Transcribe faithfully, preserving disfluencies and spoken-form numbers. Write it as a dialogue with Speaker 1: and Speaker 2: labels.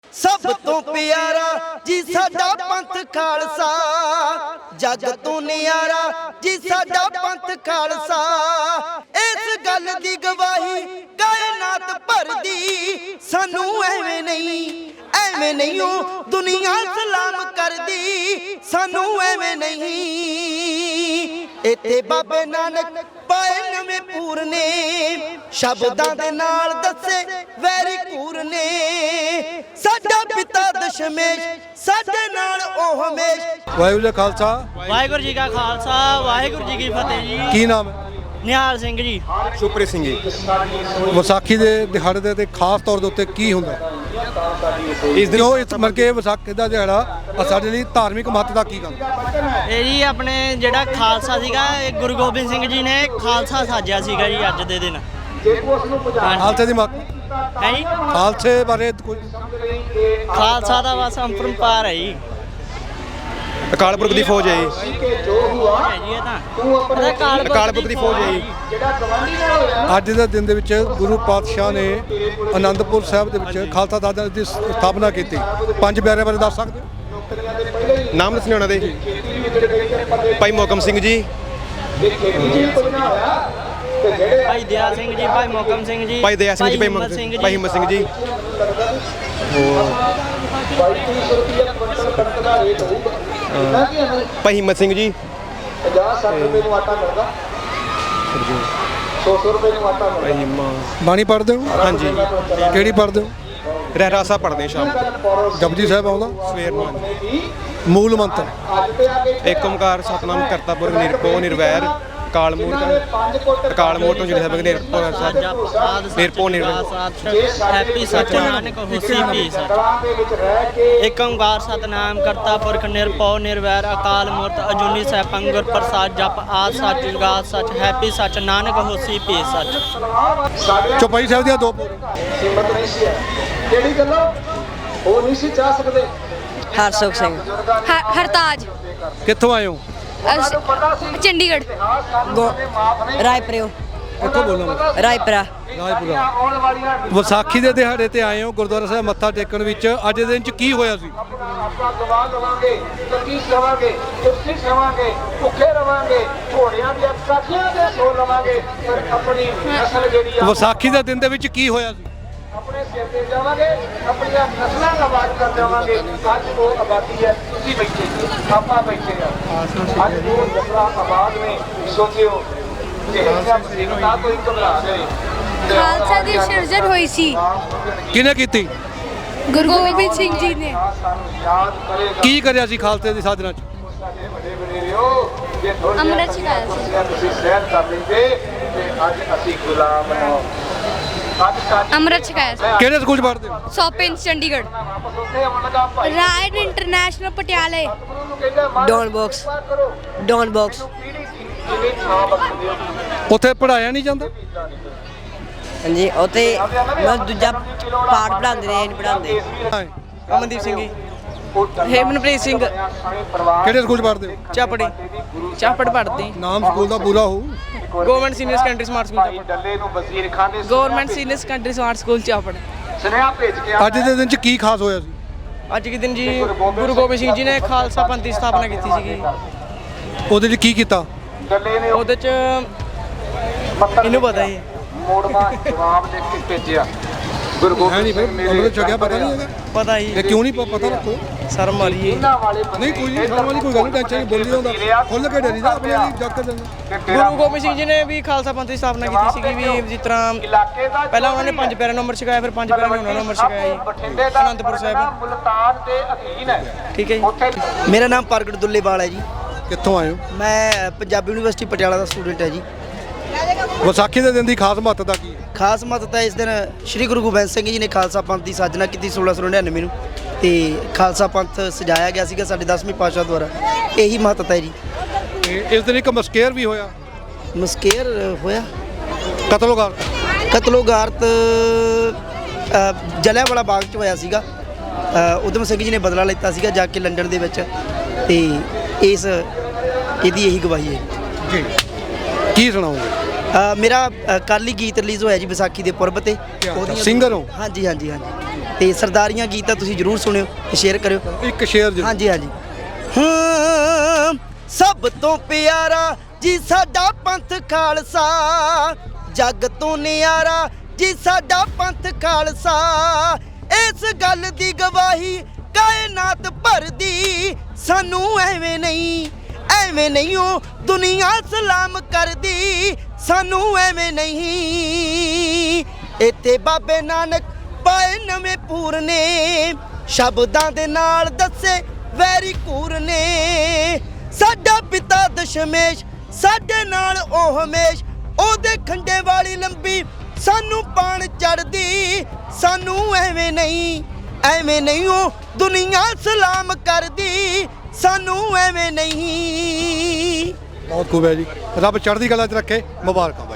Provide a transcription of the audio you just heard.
Speaker 1: सब तो प्यारा जी साडा पंथ खालसा, जग तो न्यारा जी साडा पंथ खालसा। इस गल दी गवाही कायनात भर दी, सानू एवें नहीं एवें नहीं दुनिया सलाम कर दी, सानू एवें नहीं। इत्थे बाबे नानक पाए नवे पूर ने, शब्दां दे नाल दसे वैरी कूर ने। साडा पिता दशमेश साडे नाल ओ हमेश।
Speaker 2: वाहिगुरू जी खालसा
Speaker 3: वाहिगुरू जी का खालसा वाहिगुरू जी की फतेह जी।
Speaker 2: की नाम है?
Speaker 3: ਨਿਹਾਲ ਸਿੰਘ ਜੀ।
Speaker 4: ਸੁਪ੍ਰੀਤ ਸਿੰਘ ਜੀ।
Speaker 2: ਵਿਸਾਖੀ ਦੇ ਦਿਹਾੜੇ ਦੇ ਤੇ ਖਾਸ ਤੌਰ ਦੇ ਉੱਤੇ ਕੀ ਹੁੰਦਾ ਇਸ ਦਿਨ? ਉਹ ਇਸ ਮਰਕੇ ਵਿਸਾਖੀ ਦਾ ਦਿਹਾੜਾ ਆ ਸਾਡੇ ਲਈ ਧਾਰਮਿਕ ਮਹੱਤਤਾ ਕੀ ਗੱਲ?
Speaker 3: ਇਹ ਜੀ ਆਪਣੇ ਜਿਹੜਾ ਖਾਲਸਾ ਸੀਗਾ, ਇਹ ਗੁਰੂ ਗੋਬਿੰਦ ਸਿੰਘ ਜੀ ਨੇ ਖਾਲਸਾ ਸਾਜਿਆ ਸੀਗਾ ਜੀ ਅੱਜ ਦੇ ਦਿਨ।
Speaker 2: ਖਾਲਸੇ ਦੀ ਮਹੱਤਤਾ
Speaker 3: ਹੈ ਜੀ,
Speaker 2: ਖਾਲਸੇ ਬਾਰੇ ਕੋਈ
Speaker 3: ਖਾਲਸਾ ਦਾ ਬਸ ਅੰਪਰੰਪਾਰ ਹੈ ਜੀ।
Speaker 4: ਅਕਾਲ ਪੁਰਖ ਦੀ ਫੌਜ ਹੈ ਜੀ।
Speaker 3: ਹੈ ਜੀ ਇਹ ਤਾਂ ਇਹਦਾ ਅਕਾਲ ਪੁਰਖ
Speaker 4: ਅਕਾਲ ਪੁਰਖ ਦੀ ਫੌਜ ਹੈ ਜੀ।
Speaker 2: ਅੱਜ ਦੇ ਦਿਨ ਦੇ ਵਿੱਚ ਗੁਰੂ ਪਾਤਸ਼ਾਹ ਨੇ ਆਨੰਦਪੁਰ ਸਾਹਿਬ ਦੇ ਵਿੱਚ ਖਾਲਸਾ ਦਲ ਦੀ ਸਥਾਪਨਾ ਕੀਤੀ। ਪੰਜ ਪਿਆਰਿਆਂ ਬਾਰੇ ਦੱਸ ਸਕਦੇ ਹੋ?
Speaker 4: ਨਾਮ ਦੱਸਣੇ ਉਹਨਾਂ ਦੇ? ਭਾਈ ਮੋਹਕਮ ਸਿੰਘ ਜੀ,
Speaker 3: ਭਾਈ ਦਇਆ ਸਿੰਘ ਜੀ, ਭਾਈ ਮੋਹਕਮ ਸਿੰਘ ਜੀ,
Speaker 4: ਭਾਈ ਦਇਆ ਸਿੰਘ ਜੀ, ਭਾਈ ਹਿੰਮਤ ਸਿੰਘ ਜੀ, ਭਾਈ ਹਿੰਮਤ ਸਿੰਘ ਜੀ। ਭਾਈ ਹਿੰਮਤ ਸਿੰਘ ਜੀ। ਭਾਈ ਹਿੰਮਤ।
Speaker 2: ਬਾਣੀ ਪੜ੍ਹਦੇ ਹੋ?
Speaker 4: ਹਾਂਜੀ।
Speaker 2: ਕਿਹੜੀ ਪੜ੍ਹਦੇ ਹੋ?
Speaker 4: ਰਹਿਰਾਸਾ ਪੜ੍ਹਦੇ ਸ਼ਾਮ ਨੂੰ,
Speaker 2: ਜਪਜੀ ਸਾਹਿਬ ਆਉਂਦਾ?
Speaker 4: ਸਵੇਰ ਨੂੰ।
Speaker 2: ਮੂਲ ਮੰਤਰ
Speaker 4: ਏਕ ਓਮਕਾਰ ਸਤਨਾਮ ਕਰਤਾ ਪੁਰਖ ਨਿਰਭਉ ਨਿਰਵੈਰ ਅਕਾਲ ਮੂਰਤ ਅਕਾਲ ਮੂਰਤ ਤੋਂ ਜਿਹੜੇ ਸਭ ਨਿਰਭਉ ਨਿਰਭਉ ਨਿਰਵੈਰ।
Speaker 3: ਹੈਪੀ ਸੱਚ ਨਾਨਕ ਹੋਸੀ ਪੀ ਸੱਚ। ਏਕ ਓੰਕਾਰ ਸਤਨਾਮ ਕਰਤਾ ਪੁਰਖ ਨਿਰਭਉ ਨਿਰਵੈਰ ਅਕਾਲ ਮੂਰਤ ਅਜੂਨੀ ਸੈਭੰ ਗੁਰ ਪ੍ਰਸਾਦ ਜਪ ਆਦ ਸੱਚ ਜੁਗਾਦ ਸੱਚ ਹੈਪੀ ਸੱਚ ਨਾਨਕ ਹੋਸੀ ਪੀ ਸੱਚ।
Speaker 2: ਚੌਪਾਈ ਸਾਹਿਬ ਦੀਆਂ ਦੋ
Speaker 5: ਹਿੰਮਤ ਨਹੀਂ ਸੀ ਕਿਹੜੀ ਗੱਲੋਂ ਉਹ ਨਹੀਂ ਸੀ ਚਾਹ ਸਕਦੇ।
Speaker 6: ਹਰਸੁਖ ਸਿੰਘ
Speaker 7: ਹਰ- ਹਰਤਾਜ
Speaker 2: ਕਿੱਥੋਂ ਆਏ ਹੋ?
Speaker 7: ਅਸ- ਚੰਡੀਗੜ੍ਹ
Speaker 6: ਰਾਏਪੁਰਿਓ
Speaker 2: ਕਿੱਥੋਂ ਬੋਲਣਾ?
Speaker 6: ਰਾਏਪੁਰਾ
Speaker 2: ਰਾਜਪੁਰਾ। ਵਿਸਾਖੀ ਦੇ ਦਿਹਾੜੇ ਤੇ ਆਏ ਹੋ ਗੁਰਦੁਆਰਾ ਸਾਹਿਬ ਮੱਥਾ ਟੇਕਣ ਵਿੱਚ। ਅੱਜ ਦੇ ਦਿਨ ਚ ਕੀ ਹੋਇਆ ਸੀ?
Speaker 5: ਆਪਾਂ ਗਵਾ ਲਵਾਂਗੇ, ਲਕੀਸ ਲਵਾਂਗੇ, ਕੁਰਸੀ ਲਵਾਂਗੇ, ਭੁੱਖੇ ਰਵਾਂਗੇ, ਘੋੜਿਆਂ ਦੀਆਂ ਸਾਖੀਆਂ ਦੇ ਸੋ ਲਵਾਂਗੇ, ਪਰ ਆਪਣੀ ਨਸਲ ਜਿਹੜੀ ਆ
Speaker 2: ਵਿਸਾਖੀ ਦੇ ਦਿਨ ਦੇ ਵਿੱਚ ਕੀ ਹੋਇਆ ਸੀ?
Speaker 5: ਆਪਣੇ ਸਿਰ ਤੇ ਜਾਵਾਂਗੇ, ਆਪਣੀਆਂ ਨਸਲਾਂ ਦਾ ਆਬਾਦ ਕਰ ਜਾਵਾਂਗੇ। ਅੱਜ ਉਹ ਆਬਾਦੀ ਹੈ, ਤੁਸੀਂ ਬੈਠੇ ਜੀ, ਆਪਾਂ ਬੈਠੇ ਆ। ਅੱਜ ਉਹ ਨਸਲਾਂ ਆਬਾਦ ਨੇ। ਸੋਚਿਓ ਕਿ ਇਹਨਾਂ ਮੁਸੀਬਤਾਂ ਕੋਈ ਘਬਰਾ ਜਾਏ।
Speaker 7: ਖਾਲਸਾ ਦੀ ਸਿਰਜਣ ਹੋਈ ਸੀ
Speaker 2: ਕਿਹਨੇ ਕੀਤੀ?
Speaker 7: ਗੁਰੂ ਗੋਬਿੰਦ ਸਿੰਘ ਜੀ ਨੇ।
Speaker 5: ਸਾਨੂੰ ਯਾਦ ਕਰੇਗਾ
Speaker 2: ਕੀ ਕਰਿਆ ਸੀ ਖਾਲਸੇ ਦੀ ਸਾਜਨਾ ਚ?
Speaker 5: ਸਾਡੇ ਵੱਡੇ ਵਡੇਰਿਓ, ਜੇ ਥੋੜ੍ਹੀ
Speaker 7: ਅੰਮ੍ਰਿਤ ਛਕਾਇਆ ਸੀ।
Speaker 5: ਕੁਰਸੀਆਂ ਤੁਸੀਂ ਸਹਿਣ ਕਰ ਲੈਂਦੇ ਤੇ ਅੱਜ ਅਸੀਂ ਗੁਲਾਮ ਹਾਂ। ਅੱਜ ਸਾਡੀ
Speaker 7: ਅੰਮ੍ਰਿਤ ਛਕਾਇਆ ਸੀ।
Speaker 2: ਕਿਹੜੇ ਸਕੂਲ ਚ ਪੜ੍ਹਦੇ ਹੋ?
Speaker 7: ਸੋਪਿੰਗ ਚੰਡੀਗੜ੍ਹ।
Speaker 5: ਵਾਪਸ ਉੱਥੇ ਆਉਣ ਲੱਗਾ ਭਾਈ
Speaker 7: ਰਾਇਨ ਇੰਟਰਨੈਸ਼ਨਲ ਪਟਿਆਲੇ।
Speaker 5: ਗੁਰੂ ਨੂੰ ਕਹਿੰਦਾ ਮਹਾਰਾਜ
Speaker 6: ਡੌਨ ਬਾਕਸ
Speaker 5: ਕਰੋ
Speaker 6: ਡੌਨ ਬਾਕਸ
Speaker 5: ਪੀੜੀ ਜਿਵੇਂ ਥਾਂ ਬਖਸ਼ਦੇ ਹੋ।
Speaker 2: ਉੱਥੇ ਪੜਾਇਆ ਨਹੀਂ ਜਾਂਦਾ?
Speaker 6: ਹਾਂਜੀ ਉੱਥੇ ਮੈਂ ਦੂਜਾ ਪਾਠ ਪੜਾਉਂਦੇ ਨੇ, ਨਹੀਂ ਪੜਾਉਂਦੇ।
Speaker 3: ਅਮਨਦੀਪ ਸਿੰਘ ਜੀ।
Speaker 5: ਹੇਮਨਪ੍ਰੀਤ ਸਿੰਘ
Speaker 2: ਕਿਹੜੇ ਸਕੂਲ ਚ ਪੜ੍ਹਦੇ ਹੋ?
Speaker 3: ਚਾਪੜੀ ਚਾਪੜ ਪੜ੍ਹਦੀ।
Speaker 2: ਨਾਮ ਸਕੂਲ ਦਾ ਪੂਰਾ ਹੋਊ?
Speaker 3: Government senior secondary smart school
Speaker 5: ਡੱਲੇ ਨੂੰ ਵਜ਼ੀਰ ਖਾਨ ਦੇ
Speaker 3: government senior secondary smart school Chapar.
Speaker 5: ਸੁਨੇਹਾ ਭੇਜ ਕੇ
Speaker 2: ਅੱਜ ਦੇ ਦਿਨ ਚ ਕੀ ਖਾਸ ਹੋਇਆ ਸੀ?
Speaker 3: ਅੱਜ ਦੇ ਦਿਨ ਜੀ ਗੁਰੂ ਗੋਬਿੰਦ ਸਿੰਘ ਜੀ ਨੇ ਖਾਲਸਾ ਪੰਥ ਦੀ ਸਥਾਪਨਾ ਕੀਤੀ ਸੀਗੀ।
Speaker 2: ਉਹਦੇ ਚ ਕੀ ਕੀਤਾ?
Speaker 5: ਡੱਲੇ ਨੇ
Speaker 3: ਉਹਦੇ ਚ ਇਹਨੂੰ ਪਤਾ ਹੀ
Speaker 5: ਮੋੜਵਾ ਜਵਾਬ ਲਿਖ ਕੇ ਭੇਜਿਆ। ਗੁਰੂ
Speaker 2: ਹੈ
Speaker 5: ਗੋਬਿੰਦ
Speaker 2: ਨਹੀਂ ਫਿਰ
Speaker 5: ਸਿੰਘ
Speaker 2: ਅੰਮ੍ਰਿਤ ਛਕਿਆ ਪਤਾ ਨਹੀਂ ਹੈਗਾ?
Speaker 3: ਪਤਾ ਹੀ
Speaker 2: ਇਹ ਕਿਉਂ ਨਹੀਂ ਪ- ਪਤਾ ਰੱਖੋ।
Speaker 3: ਸ਼ਰਮ ਮਾਰੀਏ।
Speaker 5: ਇਹਨਾਂ ਵਾਲੇ
Speaker 2: ਨਹੀਂ ਕੋਈ ਨਹੀਂ, ਸ਼ਰਮ ਵਾਲੀ ਕੋਈ ਗੱਲ ਨਹੀਂ, ਟੈਨਸ਼ਨ ਨਹੀਂ। ਬੋਲੀ ਹੁੰਦਾ ਖੁੱਲ ਕੇ ਡਰੀ ਦਾ ਆਪਣੇ ਲਈ ਜੱਗ ਕਰ ਦਿੰਦਾ।
Speaker 3: ਗੁਰੂ ਗੋਬਿੰਦ ਸਿੰਘ ਜੀ ਨੇ ਵੀ ਖਾਲਸਾ ਪੰਥ ਦੀ ਸਥਾਪਨਾ ਕੀਤੀ ਸੀਗੀ ਵੀ ਜਿਸ ਤਰ੍ਹਾਂ
Speaker 5: ਇਲਾਕੇ ਦਾ
Speaker 3: ਪਹਿਲਾਂ ਉਹਨਾਂ ਨੇ ਪੰਜ ਪਿਆਰਿਆਂ ਨੂੰ ਅੰਮ੍ਰਿਤ ਛਕਾਇਆ, ਫਿਰ ਪੰਜ ਪਿਆਰਿਆਂ ਨੂੰ ਉਹਨਾਂ ਨੂੰ ਅੰਮ੍ਰਿਤ ਛਕਾਇਆ ਜੀ
Speaker 5: ਬਠਿੰਡੇ ਦਾ
Speaker 3: ਅਨੰਦਪੁਰ ਸਾਹਿਬ।
Speaker 5: ਮੁਲਤਾਨ ਦੇ ਅਧੀਨ ਹੈ।
Speaker 3: ਠੀਕ ਹੈ ਜੀ।
Speaker 5: ਉੱਥੇ
Speaker 1: ਮੇਰਾ ਨਾਮ ਪ੍ਰਗਟ ਦੁੱਲੇਵਾਲ ਹੈ ਜੀ।
Speaker 2: ਕਿੱਥੋਂ ਆਏ ਹੋ?
Speaker 1: ਮੈਂ ਪੰਜਾਬੀ ਯੂਨੀਵਰਸਿਟੀ ਪਟਿਆਲਾ ਦਾ ਸਟੂਡੈਂਟ ਹੈ ਜੀ।
Speaker 2: ਵਿਸਾਖੀ ਦੇ ਦਿਨ ਦੀ ਖਾਸ ਮਹੱਤਤਾ ਕੀ ਹੈ?
Speaker 1: ਖਾਸ ਮਹੱਤਤਾ ਇਸ ਦਿਨ ਸ੍ਰੀ ਗੁਰੂ ਗੋਬਿੰਦ ਸਿੰਘ ਜੀ ਨੇ ਖਾਲਸਾ ਪੰਥ ਦੀ ਸਾਜਨਾ ਕੀਤੀ ਸੋਲਾਂ ਸੌ ਨੜਿਨਵੇਂ ਨੂੰ, ਤੇ ਖਾਲਸਾ ਪੰਥ ਸਜਾਇਆ ਗਿਆ ਸੀਗਾ ਸਾਡੇ ਦਸਵੇਂ ਪਾਤਸ਼ਾਹ ਦੁਆਰਾ। ਇਹੀ ਮਹੱਤਤਾ ਹੈ ਜੀ।
Speaker 2: ਤੇ ਇਸ ਦਿਨ ਇੱਕ ਮਸਕੇਰ ਵੀ ਹੋਇਆ,
Speaker 1: ਮਸਕੇਰ ਹੋਇਆ,
Speaker 2: ਕਤਲੋਗਾਰ।
Speaker 1: ਕਤਲੋਗਾਰਤ ਜਲਿਆਂਵਾਲਾ ਬਾਗ 'ਚ ਹੋਇਆ ਸੀਗਾ। ਅ, ਊਧਮ ਸਿੰਘ ਜੀ ਨੇ ਬਦਲਾ ਲਿੱਤਾ ਸੀਗਾ ਜਾ ਕੇ ਲੰਡਨ ਦੇ ਵਿੱਚ, ਤੇ ਇਸ ਇਹਦੀ ਇਹੀ ਗਵਾਹੀ ਹੈ
Speaker 2: ਜੀ। ਕੀ ਸੁਣਾਓਗੇ?
Speaker 1: ਅ, ਮੇਰਾ ਅ, ਕੱਲ੍ਹ ਹੀ ਗੀਤ ਰਿਲੀਜ਼ ਹੋਇਆ ਜੀ ਵਿਸਾਖੀ ਦੇ ਪੁਰਬ ਤੇ।
Speaker 2: ਸਿੰਗਰ ਹੋ?
Speaker 1: ਹਾਂਜੀ ਹਾਂਜੀ ਹਾਂਜੀ। ਤੇ ਸਰਦਾਰੀਆਂ ਗੀਤ ਤਾਂ ਤੁਸੀਂ ਜ਼ਰੂਰ ਸੁਣਿਓ ਤੇ ਸ਼ੇਅਰ ਕਰਿਓ।
Speaker 2: ਇੱਕ ਸ਼ੇਰ ਜੀ।
Speaker 1: ਹਾਂਜੀ ਹਾਂਜੀ। ਹਾਂ ਸਭ ਤੋਂ ਪਿਆਰਾ ਜੀ ਸਾਡਾ ਪੰਥ ਖਾਲਸਾ, ਜੱਗ ਤੋਂ ਨਿਆਰਾ ਜੀ ਸਾਡਾ ਪੰਥ ਖਾਲਸਾ, ਇਸ ਗੱਲ ਦੀ ਗਵਾਹੀ ਕਾਇਨਾਤ ਭਰਦੀ, ਸਾਨੂੰ ਐਵੇਂ ਨਹੀਂ ਐਵੇਂ ਨਹੀਂ ਉਹ ਦੁਨੀਆ ਸਲਾਮ ਕਰਦੀ, ਸਾਨੂੰ ਐਵੇਂ ਨਹੀਂ। ਇੱਥੇ ਬਾਬੇ ਨਾਨਕ ਪਾਏ ਨਵੇਂ ਪੂਰ ਨੇ, ਸ਼ਬਦਾਂ ਦੇ ਨਾਲ ਦੱਸੇ ਵੈਰੀ ਕੂਰ ਨੇ, ਸਾਡਾ ਪਿਤਾ ਦਸ਼ਮੇਸ਼ ਸਾਡੇ ਨਾਲ ਉਹ ਹਮੇਸ਼, ਉਹਦੇ ਖੰਡੇ ਵਾਲੀ ਲੰਬੀ ਸਾਨੂੰ ਪਾਣ ਚੜਦੀ, ਸਾਨੂੰ ਐਵੇਂ ਨਹੀਂ ਐਵੇਂ ਨਹੀਂ ਉਹ ਦੁਨੀਆ ਸਲਾਮ ਕਰਦੀ, ਸਾਨੂੰ ਐਵੇਂ ਨਹੀਂ।
Speaker 2: ਬਹੁਤ ਖੂਬ ਹੈ ਜੀ, ਰੱਬ ਚੜ੍ਹਦੀ ਕਲਾ 'ਚ ਰੱਖੇ। ਮੁਬਾਰਕਾਂ ਬਾਈ।